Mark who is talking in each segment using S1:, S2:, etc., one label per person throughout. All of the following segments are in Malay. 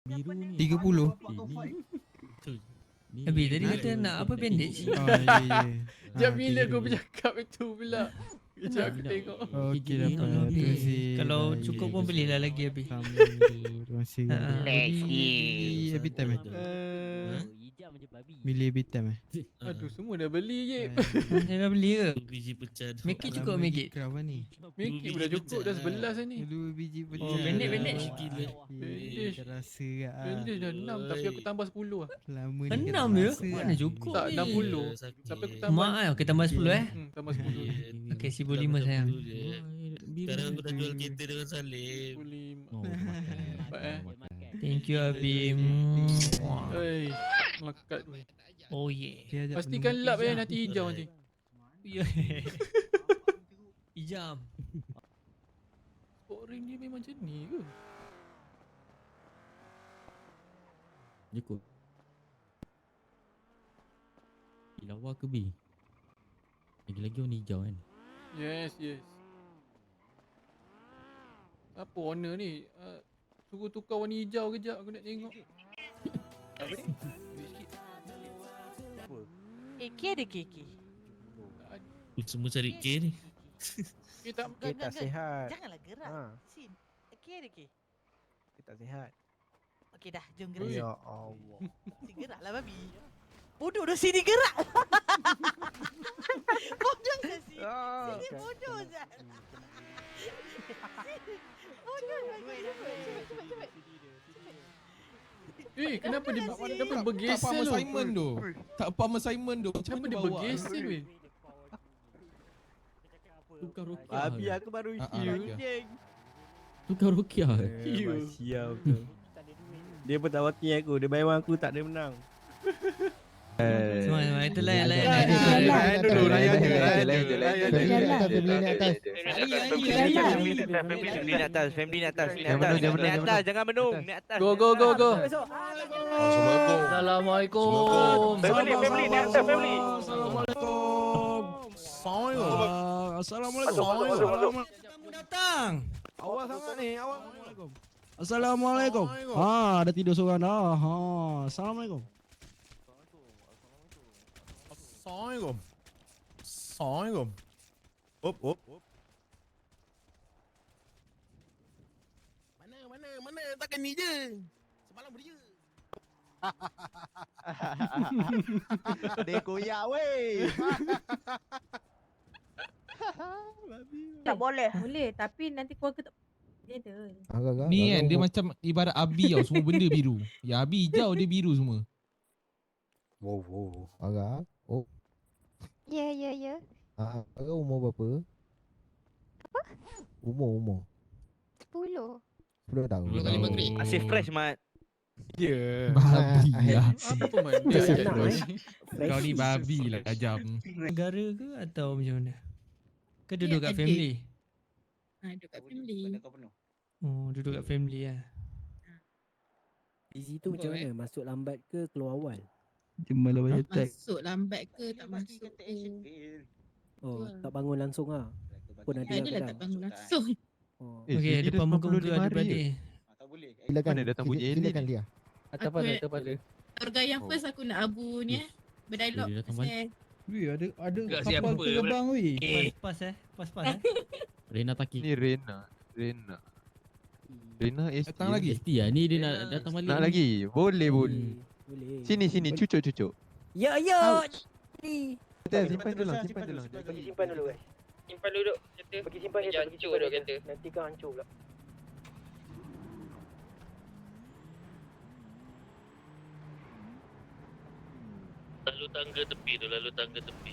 S1: Biru ni
S2: 30.
S1: ni
S2: Habis tadi kata nak apa bandage?
S3: Ya.
S4: Sekejap bila kau bercakap itu pula. Sekejap aku tengok.
S3: Okey
S2: Tengok
S3: dapat.
S2: dulu,
S3: Terima
S2: Bil.
S3: kasih.
S2: Kalau
S3: Baik.
S2: cukup pun belilah lagi habis.
S3: Terima kasih.
S2: Let's
S3: Beli every time Beli every time
S4: Aduh, semua dah beli je.
S2: Saya dah beli ke?
S1: biji pecah.
S2: Make it cukup make it.
S3: Kenapa ni?
S4: Make it dah cukup dah 11 ni.
S3: 2 biji pecah.
S2: Oh, bandage.
S4: Bandage.
S3: Terasa kat
S4: Bandage dah 6 tapi aku tambah 10 lah.
S3: Lama ni
S2: 6 je? Mana cukup
S4: Tak,
S2: ni?
S4: 60. Tapi aku tambah.
S2: Mak okay, tambah 10
S4: Tambah 10.
S2: Okay, 1,500 sayang.
S1: Sekarang aku dah jual kereta dengan Salim.
S4: 15.
S1: Oh,
S2: Thank you Abim.
S4: Hei, melekat ni.
S2: Oh yeah.
S4: Pastikan lap nanti hijau nanti.
S2: Hijam.
S4: Sport ring dia memang macam ni ke?
S1: Cukup. Lawa ke B? Lagi-lagi warna hijau kan?
S4: Yes. Apa warna ni? Suruh tukar warna hijau kejap aku nak tengok.
S5: Apa ni?
S6: AK ada KK.
S1: Semua cari K ni.
S4: Kita
S5: Tak sihat.
S6: Janganlah gerak.
S5: Ha.
S6: Sin. AK ada K.
S5: Tak sihat.
S6: Okey dah, jom gerak.
S5: Ya Allah.
S6: Si geraklah babi. Bodoh dah sini gerak. Bodoh dah sini. Sini bodoh Zat. Bodoh dah. Cepat.
S4: kenapa dia bergeser
S7: Tak faham
S4: tu?
S7: assignment tu. Tak faham assignment tu.
S4: Kenapa dia bergeser weh?
S1: Tukar Rokia.
S5: Babi aku baru heal.
S1: Tukar Rokia.
S5: Siap tu. Dia pun tak wakil aku. Dia bayar aku tak ada menang.
S2: Semua itu layan.
S5: Dulu layan je.
S8: Family ni atas. Jangan menung. Ni atas.
S4: Go.
S8: Assalamualaikum.
S4: Family ni atas family.
S7: Assalamualaikum.
S2: Datang.
S5: Awal sangat ni.
S7: Assalamualaikum. Dah tidur seorang dah. Assalamualaikum. Assalamualaikum. Op. Mana takkan ni je. Semalam dia.
S5: Dia koyak weh.
S6: Tak boleh. Boleh tapi nanti keluarga tak dia ada.
S7: Ni kan dia macam ibarat abi tau, semua benda biru. Ya abi hijau dia biru semua.
S3: Wow.
S9: Agak. Oh.
S6: Ya.
S9: Agak umur berapa?
S6: Apa?
S9: Umur.
S6: 10.
S9: 10 tahun.
S8: Masih fresh mat.
S4: Ya.
S7: Babi lah.
S4: Apa benda?
S7: Kau ni babi lah tajam.
S2: Negara ke atau macam mana? Ke duduk kat family?
S6: Duduk kat family.
S2: Oh, duduk kat family lah.
S10: Busy tu macam mana? Masuk lambat ke keluar awal?
S7: Cuma lah banyak tag.
S6: Masuk lambat ke tak masuk ke?
S10: Oh, tak bangun langsung ah. Pun ada yang kadang.
S6: bangun langsung.
S10: Oh.
S2: Okey, depan muka-muka adik-beradik.
S9: Silakan dia.
S6: Atas pada. Organ yang first aku nak abu ni berdialog pasal
S7: Weh ada
S8: Tak
S7: kapal
S8: siapa
S7: terbang weh.
S2: Pas.
S1: Rena Taki.
S3: Ni Rena ST.
S7: Datang lagi.
S1: ST lah ni dia nak datang balik.
S3: Nak lagi? Boleh.
S10: Boleh.
S3: Sini cucuk.
S10: Ya. Ni.
S3: Simpan dulu.
S10: Bagi simpan dulu guys.
S8: Simpan dulu kereta.
S10: Bagi simpan
S8: Jangan hancur dulu kereta.
S10: Nanti kau hancur pula.
S1: Lalu tangga tepi.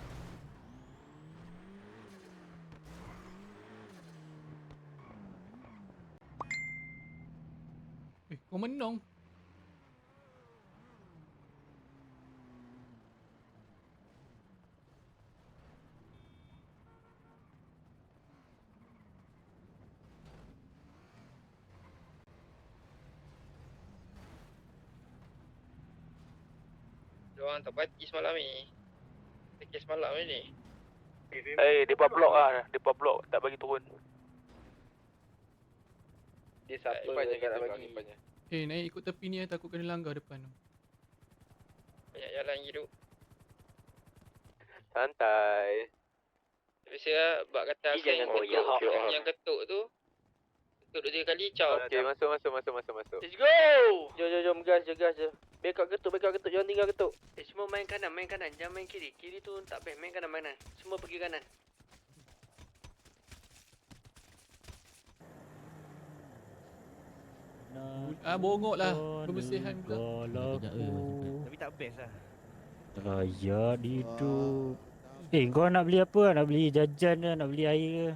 S4: Kau menang.
S8: Diorang tak parti semalam ni. Kes malam ni.
S5: Depa blok ah. Depa blok tak bagi turun.
S8: Dia siapa yang tak nak bagi?
S4: Naik ikut tepi ni takut kena langgar depan tu.
S11: Banyak jalan hidup.
S8: Santai.
S11: Biasa bak kata aku yang ketuk tu. Ketuk 2-3 kali caw.
S8: Okey, masuk.
S11: Let's go. Jom gas je. Backup ketuk, jangan tinggal ketuk. Semua main kanan, jangan main kiri. Kiri tu tak baik, main kanan. Semua pergi kanan.
S4: Bongok lah. Kebersihan pula.
S8: Tapi tak best lah.
S5: Rakyat hidup. Kau nak beli apa? Nak beli jajan ke? Nak beli air ke?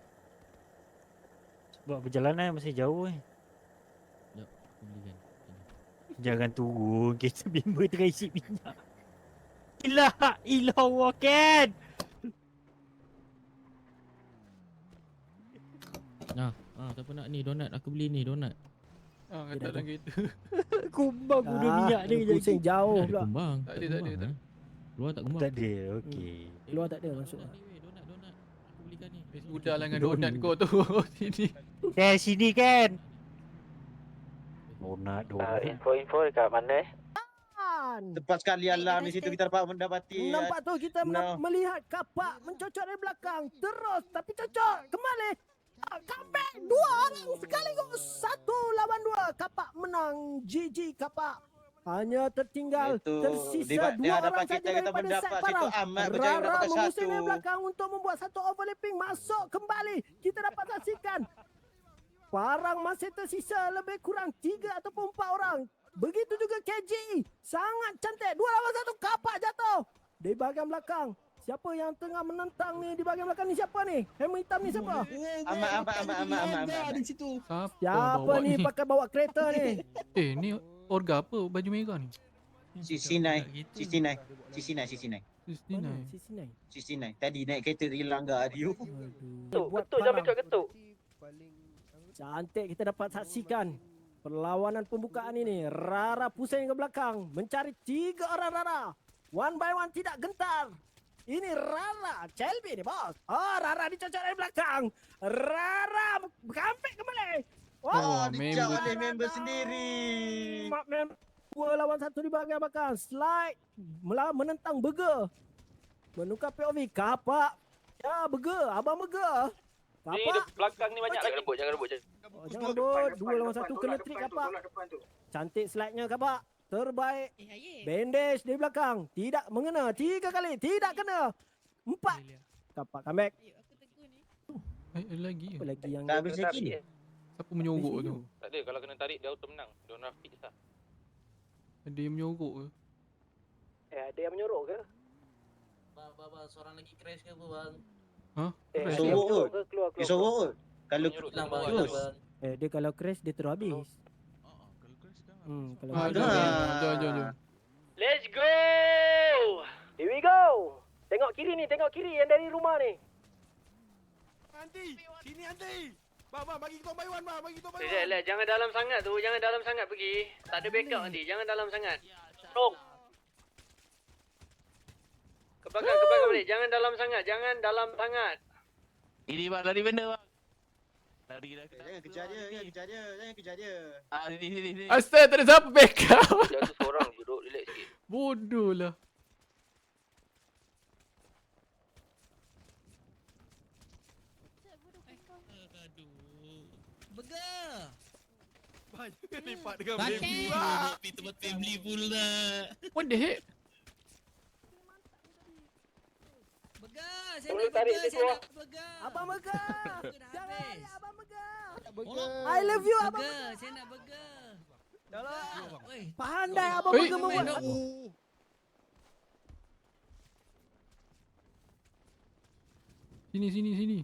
S5: Sebab perjalanan masih jauh
S1: Sekejap, aku belikan.
S5: Jangan turun, kereta bimba tengah isi minyak. Ilah Ken!
S1: Siapa nak ni donat? Aku beli ni donat.
S4: Kata dalam kereta.
S5: Kumbang guna minyak ni kejap
S10: pusing jauh
S1: Ada
S10: pula.
S1: kembang.
S4: Tak ada.
S1: Luar tak kembang.
S5: Tak ada, okey.
S10: Keluar tak ada masuk.
S1: Donat. Aku belikan ni.
S4: Udahlah dengan donat kau tu. Sini.
S5: Sini Ken! Donat.
S8: Info dekat mana?
S10: Tepat
S3: sekali alam di situ kita dapat mendapati.
S10: Nampak tu kita melihat kapak mencocok dari belakang. Terus tapi cocok kembali. Comeback 2 orang sekaligus. 1 lawan 2. Kapak menang. GG kapak. Hanya tertinggal tersisa 2 orang saja daripada set parang. Rara mengusir dari belakang untuk membuat satu overlapping. Masuk kembali. Kita dapat saksikan. Parang masih tersisa lebih kurang 3 ataupun 4 orang. Begitu juga KJ. Sangat cantik. 2 lawan 1. Kapak jatuh. Di bahagian belakang. Siapa yang tengah menentang ni di bahagian belakang ni? Siapa ni? Helmet hitam ni siapa?
S3: Amat.
S2: Di situ.
S10: Siapa ni pakai bawa kereta ni?
S4: Ni orga apa baju merah ni?
S3: Cicinai. Tadi naik kereta dia langgar dia.
S11: Ketuk jangan backup ketuk.
S10: Cantik kita dapat saksikan perlawanan pembukaan ini. Rara pusing ke belakang mencari 3 orang Rara. One by one tidak gentar. Ini Rara, Chelby ni bos. Rara dicocok dari belakang. Rara comeback kembali.
S3: Dicak oleh member sendiri.
S10: Member 2 lawan 1 di bahagian belakang. Slide menentang Burger. Menukar POV. Kapak. Ya Burger, abang Burger. Kapak.
S11: Belakang ni banyak lagi. Jangan rebut.
S10: Jangan rebut. 2 lawan 1 kena trik kapak. Cantik slide-nya kapak. Terbaik. Bandage di belakang. Tidak mengena. 3 kali. Tidak kena. 4. Kapak comeback.
S4: Ada lagi.
S10: Apa lagi yang
S3: Tak habis lagi.
S4: Siapa menyorok tu?
S11: Tak ada, kalau kena tarik dia auto menang. Dia orang fix lah.
S4: Ada yang menyorok ke?
S10: ada yang menyorok ke?
S8: Bang, seorang lagi crash ke apa bang?
S3: Sorok kot.
S10: Keluar.
S3: Dia sorok kot. Kalau
S10: Dia kalau crash dia terus habis. Kalau
S4: Jom.
S11: Let's go!
S10: Here we go. Tengok kiri yang dari rumah ni.
S5: Sini Anti. Bang, bagi kita buy one bang,
S11: Relax, jangan dalam sangat pergi. Tak ada backup nanti, jangan dalam sangat. Strong. Ke belakang balik, jangan dalam sangat.
S8: Ini bang, lari benda bang. Lari dah.
S3: Jangan kejar dia.
S8: Sini.
S4: Asal tak ada siapa backup.
S11: Jatuh seorang, duduk relax sikit.
S4: Bodoh lah.
S1: Burger.
S5: Lipat dengan
S1: Batik. Tempat family pula.
S4: What the heck?
S1: Burger. Saya nak burger.
S10: Abang Burger. Jangan lari Abang Burger.
S9: I
S10: I love you Abang
S1: Burger. Saya nak burger.
S10: Burger. Pandai Abang
S4: Oi.
S10: Burger membuat.
S4: Sini.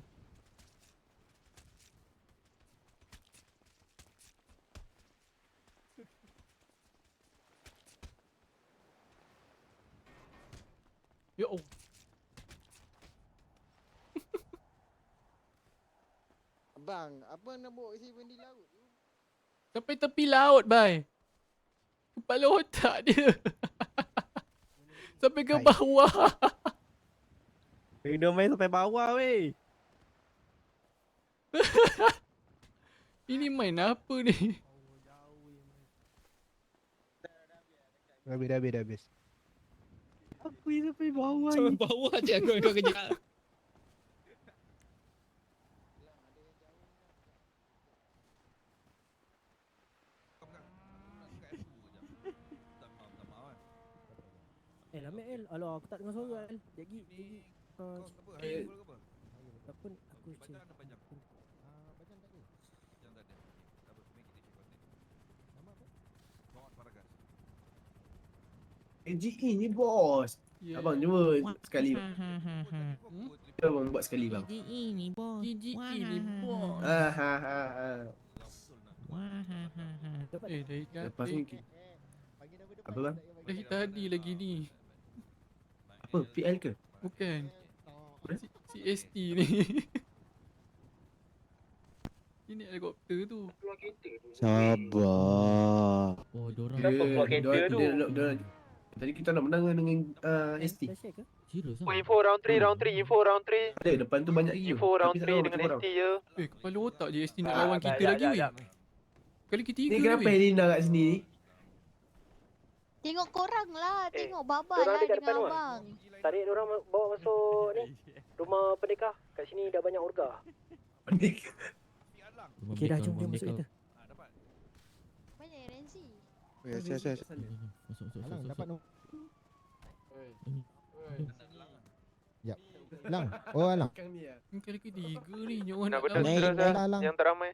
S4: Ya Allah.
S9: Bang, apa nak bawa isi di laut?
S4: Sampai tepi laut, bye. Kepala otak dia. Sampai ke bawah.
S5: Kena main sampai bawah weh.
S4: Ini main apa ni?
S9: Dah habis.
S5: Aku sampai bawah.
S2: Sampai bawah je kau kejap.
S10: Ambil alah aku tak dengar suara Jagi. Apa ni aku check.
S9: AGE ni bos.
S4: Yeah.
S9: Abang cuba sekali. Abang buat sekali bang.
S1: GGE ni bos.
S4: GGE ni bos. Dah
S9: Lepas ni apa bang?
S4: Dah tadi lagi ni.
S9: Apa PL ke?
S4: Bukan. CST ni. Ini helikopter tu.
S9: Sabar.
S1: Oh, dorang.
S9: Tadi kita nak menang dengan ST.
S1: Serius
S11: Oh,
S1: ah?
S11: info round 3.
S9: Ada depan tu banyak lagi.
S11: Info round 3 dengan ST je.
S4: Kepala otak je ST nak lawan kita lagi weh. Kali ketiga
S9: Ni kenapa
S4: weh.
S9: Helena kat sini ni?
S6: Tengok korang lah. Tengok Baba
S11: Diorang
S6: lah
S11: dekat
S6: dengan
S11: depan tu,
S6: abang.
S11: Tarik diorang bawa masuk ni. Rumah pendekar. Kat sini dah banyak orga.
S10: Okey dah jom masuk kita.
S6: Banyak Renzi.
S1: Masuk.
S9: Dapat no.
S1: Yap.
S9: Lang. Oh Lang.
S4: Ni kali ketiga ni. Nyawa
S11: Nak
S4: nak
S11: betul
S4: lawan.
S11: terus yang teramai.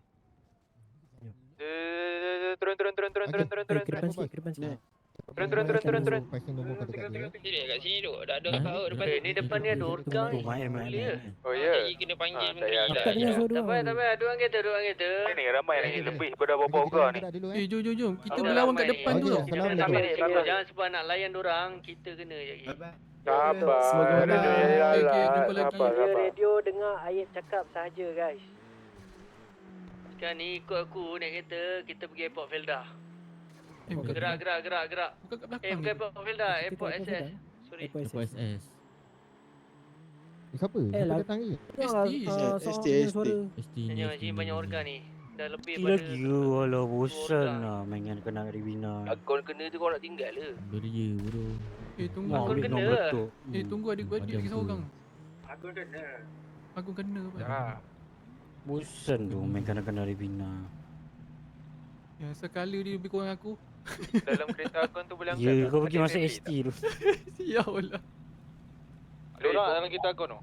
S11: Turun.
S10: Ke depan sikit, ke depan sikit.
S11: Turun.
S8: Sini kat sini tu. Dah ada kau depan.
S11: Ni depan ni ada orga. Boleh ke? Oh ya.
S8: Jadi kena panggil
S10: Aku tak dengar suara dia.
S11: Tak payah. Dua kereta. Ni ramai lagi. Lebih pada berapa orga ni.
S4: Jom. Kita berlawan kat depan tu tau.
S11: Jangan sebab nak layan dorang. Kita kena je.
S9: Sabar.
S4: Okay, jumpa lagi.
S11: Radio dengar ayat cakap sahaja guys. Sekarang ni ikut aku naik kereta. Kita pergi airport Felda.
S4: Bukan
S11: Gerak.
S4: bukan kat belakang.
S11: Bukan airport Felda. Airport SS. Sorry.
S1: Lepas S.
S9: Siapa?
S10: Lah.
S4: ST.
S1: ST
S11: Tanya sini banyak organ ni. Dah lebih
S5: Lagi walau bosan lah main dengan kena Ribina.
S11: Akun kena tu kau nak tinggal le.
S1: Beria bro.
S4: Tunggu.
S11: Akun
S5: Ambil
S11: kena
S5: nombor
S11: lah.
S5: tu.
S4: Tunggu adik-adik
S1: Padam
S4: lagi
S1: tu.
S4: seorang.
S11: Akun kena.
S4: Aku kena apa?
S5: Bosan tu main kena Ribina.
S4: Yang sekala dia lebih kurang aku.
S11: Dalam kereta akun tu boleh
S5: Ya, kau pergi masuk ST tu.
S4: Sial lah.
S11: Dorang dalam kereta akun tu.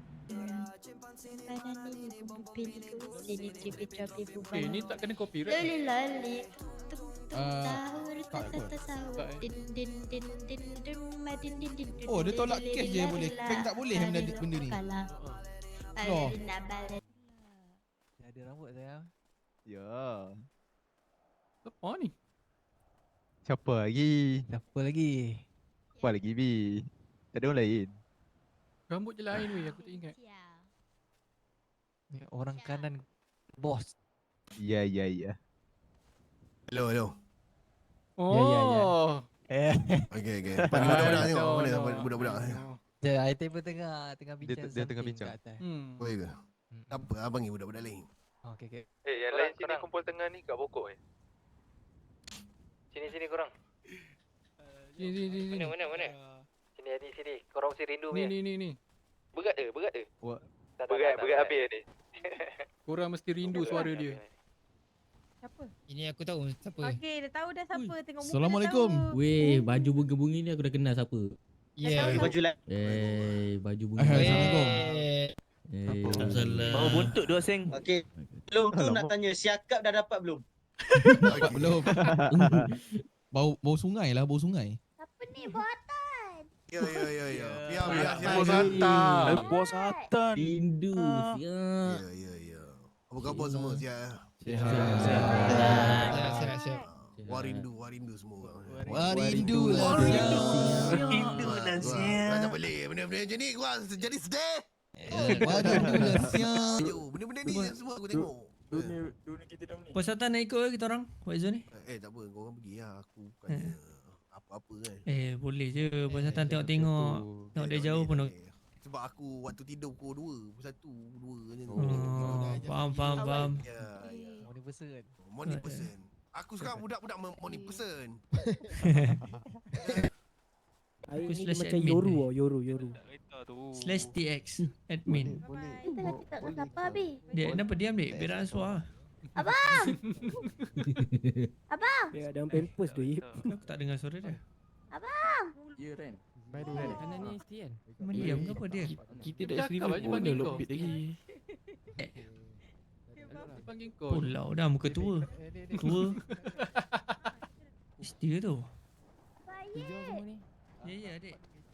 S4: Ni tak kena copyright.
S6: Lali.
S7: tak kot. Oh, dia tolak cash je boleh. Bank tak boleh benda ni. Loh.
S8: Ada rambut sayang.
S9: Ya.
S4: Apa ni?
S9: Siapa lagi?
S8: Siapa lagi?
S9: Siapa lagi Bi? Tak ada orang lain.
S4: Rambut je lain weh, aku tak ingat.
S8: Ni orang kanan bos.
S9: Ya. Hello.
S4: Oh.
S9: Okay.
S4: Budak-budak tengok. Mana
S9: budak-budak.
S8: Dia item pun tengah bincang.
S9: Dia tengah bincang. Boleh ke? Tak apa, abang ni budak-budak lain.
S8: Okey.
S11: Yang lain sini kumpul tengah ni kat pokok Sini korang.
S4: Sini.
S11: Mana? Sini. Korang mesti rindu punya.
S4: Ni.
S11: Berat ke? Berat habis ni.
S4: Korang mesti rindu suara dia.
S6: Siapa?
S2: Ini aku tahu siapa.
S6: Okey, dah tahu dah siapa. Tengok muka
S2: Assalamualaikum.
S6: dah tahu.
S1: Weh, baju bunga-bunga ni aku dah kenal siapa.
S2: Ya.
S3: Baju lah.
S1: Baju bunga.
S2: Assalamualaikum.
S8: Bawa buntut dua seng.
S3: Okey. Belum tu nak tanya, siakap dah dapat belum?
S7: Belum. Bau sungai lah, bau sungai.
S6: Siapa ni buatan?
S9: Ya.
S5: Bos Atan.
S1: Rindu siap.
S9: Ya. Apa khabar semua? Siap.
S2: Siap.
S9: Warindu semua.
S7: Warindu lah.
S9: Tak boleh. Benda-benda macam ni gua jadi sedih.
S7: Warindu lah siap.
S9: Benda-benda ni semua aku tengok.
S2: Puasatan nak ikut ke kita orang? Waizo ni?
S9: Tak apa, kau orang pergi lah. Aku bukannya apa-apa kan.
S2: Boleh je. Puasatan tengok-tengok. Tengok dia jauh pun.
S9: Sebab aku waktu tidur pukul 2, 1, 2 macam tu.
S2: Faham.
S9: Ya.
S8: Morning person.
S9: Aku sekarang budak-budak morning person.
S2: Aku
S10: Ini dia
S2: slash
S10: macam
S2: admin
S10: Yoru
S2: ni.
S10: oh, Yoru.
S2: /TX admin.
S6: Kita nak cakap dengan siapa, Abi?
S2: Dia kenapa diam dik? Biar answer.
S6: Abang! Abang!
S10: Dia dalam pampers tu.
S2: Aku tak dengar suara dia.
S6: Abang!
S1: Ya Ren.
S2: Kanan
S1: ni ST kan?
S2: Memang diam ke apa dia?
S1: Kita
S4: dah Cakap seribu aje panggil kau.
S1: lagi.
S4: Dia panggil kau.
S2: Pulau dah muka tua. Tua. Setia tu.
S6: Baik!
S2: Ya adik.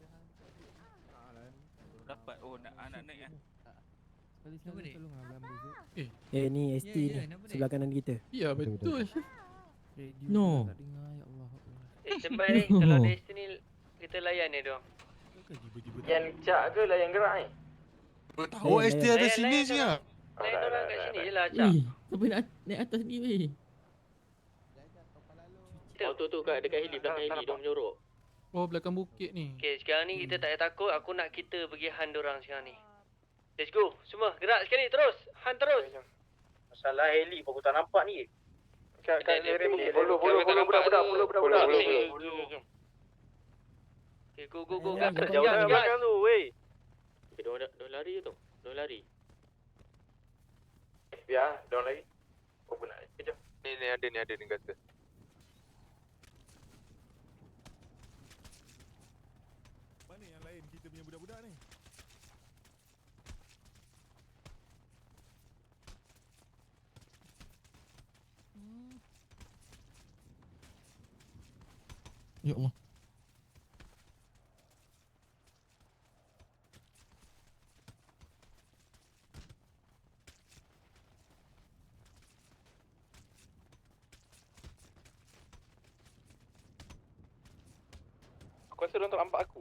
S8: Dapat nak naik kan.
S2: Kenapa dik?
S10: Ni ST
S2: Ya,
S10: ni.
S2: kenapa, Dek?
S10: Sebelah kanan kita.
S4: Ya betul.
S2: No.
S11: Sempat ni, kalau dari sini kita layan ni dong. Yang cak ke layan gerak ni?
S7: Tahu ST ada sini
S11: layan
S7: siap.
S11: Layan orang kat sini je lah cak.
S1: Siapa nak naik atas ni weh?
S11: Tu kat dekat heli, belakang heli dia menyorok.
S4: Oh belakang bukit ni.
S11: Okay, sekarang ni kita tak payah takut. Aku nak kita pergi hunt dorang sekarang ni. Let's go. Semua gerak sekali terus. Hunt terus.
S3: Masalah heli pun aku tak nampak ni.
S11: Follow budak. Okay, go.
S3: Jauh dah belakang tu, weh.
S11: Okay, dia lari tu. Dia lari.
S3: Biar, dorang lagi. Kau pun nak. Kejap.
S8: Ni ada ni kata.
S7: Mana yang lain kita punya budak-budak ni? Ya Allah.
S8: Aku rasa dia tak nampak aku.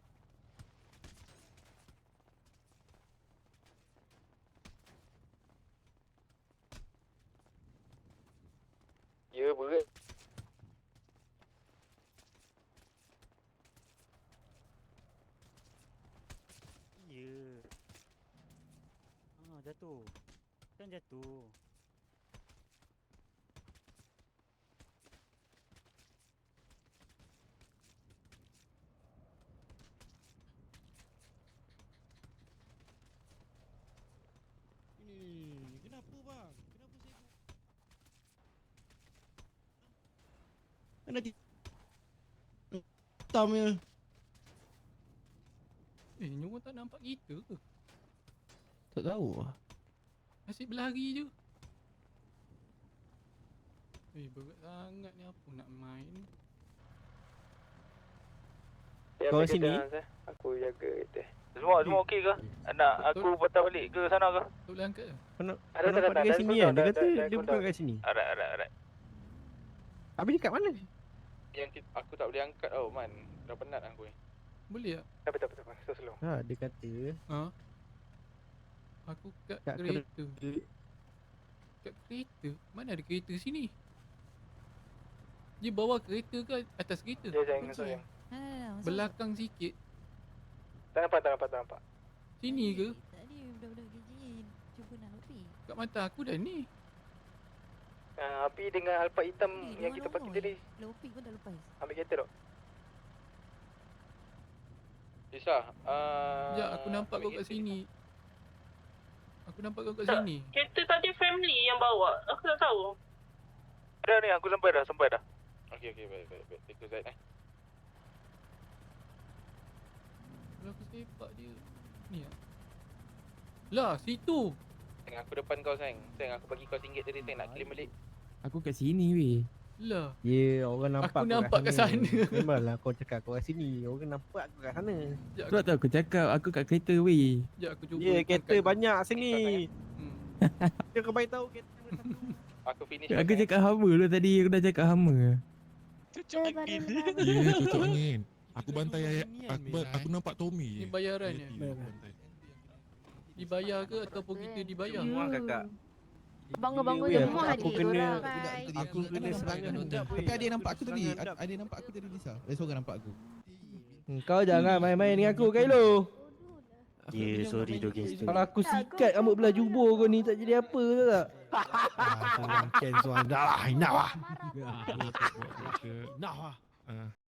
S8: Ya, berat.
S5: Ya. Jatuh. Kan jatuh.
S7: Ini kenapa bang? Kenapa saya mana hitamnya?
S4: Nyonya tak nampak kita ke?
S7: Tak tahu.
S4: Asyik berlari je. Berat sangat ni, apa nak main?
S8: Kau sini. Aku jaga kita. Semua okey ke? Nak aku patah balik ke sana ke?
S4: Tak boleh angkat ke?
S8: Ada dekat sini kan? Dia kata dia bukan kat
S9: sini.
S8: Arat.
S9: Habis dekat mana?
S8: Yang aku tak boleh angkat tau man. Dah penat aku ni.
S4: Boleh tak?
S8: Tak betul. Slow.
S9: Ha, dia kata
S4: Ha? Aku kat
S9: Kat
S4: kereta. Kat kereta? Mana ada kereta sini? Dia bawa kereta ke atas kereta?
S8: Sayang.
S6: Belakang.
S4: Belakang sikit.
S8: Tak nampak.
S4: Sini ke?
S6: Tadi budak-budak KJ cuba nak lopi.
S4: Kat mata aku dah ni.
S8: Api dengan alpa hitam yang kita parking tadi.
S6: Lopi pun dah lepas.
S8: Ambil kereta tak? Isa.
S4: Sekejap, aku nampak kau kat sini. Aku nampak kau kat sini.
S6: Kereta tadi family yang bawa. Aku tak tahu.
S8: Ada ni, aku sampai dah. Okey, baik. Tengok Zaid
S4: Kalau aku sepak dia. Ni lah. Lah, situ.
S8: Sayang, aku depan kau sayang. Sayang, aku bagi kau RM1 tadi sayang nak claim balik.
S1: Aku kat sini weh.
S4: Lah.
S9: Ya, orang nampak
S4: Aku nampak kat sana.
S9: Memanglah kau cakap kau kat sini. Orang nampak aku kat sana.
S4: Sekejap,
S1: Sebab tu aku cakap aku kat kereta weh.
S4: sekejap aku cuba.
S9: Ya, kereta
S4: angkat.
S9: banyak sini.
S4: Hmm.
S9: Dia kau bagi tahu kereta mana satu.
S8: Aku finish.
S1: Aku cakap hama lu tadi. Aku dah cakap hama.
S7: Ya, cocok angin. Aku bantai aku nampak Tommy.
S4: Ni bayaran
S7: Dia
S4: ya?
S7: tiba bantai.
S4: Dibayar ke ataupun kita dibayar?
S8: Semua kakak.
S6: Bangga-bangga
S9: Ya,
S6: je semua
S9: aku
S6: hadir
S9: kena
S6: orang.
S9: aku kena serangan hendap.
S7: Tapi ada yang nampak aku tadi. Ada yang nampak aku tadi Lisa. Seorang nampak aku.
S9: Kau jangan main-main dengan aku Kailo.
S5: Ya, sorry Doggy.
S9: Kalau aku sikat rambut belah jubur kau ni tak jadi apa tu tak? Kurang cancel dah lah. Enough lah.
S7: Nah.